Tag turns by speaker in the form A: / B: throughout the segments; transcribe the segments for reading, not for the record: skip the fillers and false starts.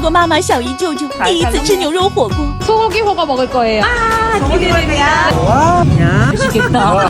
A: 过妈妈、小姨、舅舅第一次吃牛肉火锅。
B: 소고기 호거 먹을 거예요.
C: 와,
B: 맛있겠다.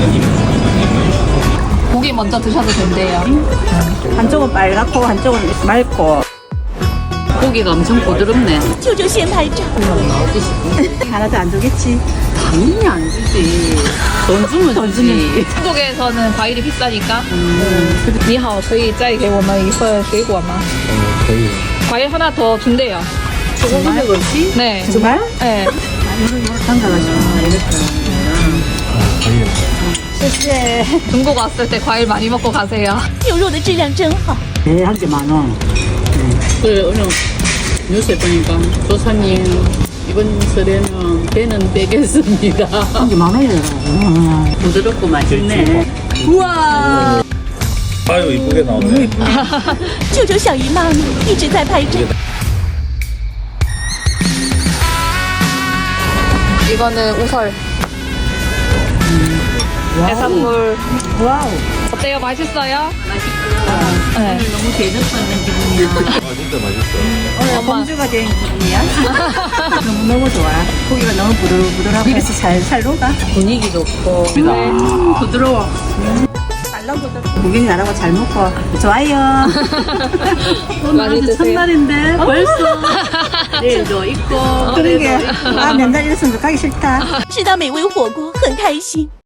B: 고기 먼저 드셔도 된대요.
C: 한쪽은 빨갛고 한쪽은 맑고.
B: 고기가 엄청 부드럽네.
A: 舅舅先拍照。
C: 하나도 안 주겠지.
B: 당연히 안 주지. 돈 주면 주지. 한국에서는 과일이 비싸니까. 你好,可以再给我们一份水果吗?
D: 可以。
B: 과일 하나 더 준대요.
C: 정말 그렇지?
B: 네.
C: 정말?
B: 네.
C: 담가가지고 이렇게.
D: 可以。
C: 谢谢.
B: 중국 왔을 때 과일 많이 먹고 가세요.
A: 牛肉的质量真好。
C: 네, 한 개 만 원.
E: 그래 오늘 뉴스에 보니까 조사님 이번 설에는 배는 빼겠습니다.
C: 한 개 만 원이더라고.
E: 부드럽고 맛있네.
C: 우와.
D: 아유 이쁘게 나오네.
A: 舅舅、小姨妈妈一直在拍照。
B: 이거는 우설. 해산물.
C: 와우.
B: 어때요? 맛있어요? 맛있고요. 네.
E: 너무 대접받는 기분이야.
D: 아 진짜 맛있어.
C: 오늘 공주가 된 기분이야. 너무 좋아. 고기가 너무 부들부들하고 해서 살살 녹아.
E: 분위기 좋고 부드러워.
C: 고객님 나라고 잘 먹고 좋아요.
E: 오늘
B: 많이
E: 아주
B: 드세요.
E: 첫날인데 벌써 내일도 있고
C: 그러게. 아, 맨날 이랬으면 가기 싫다.
A: 吃到美味火锅很开心。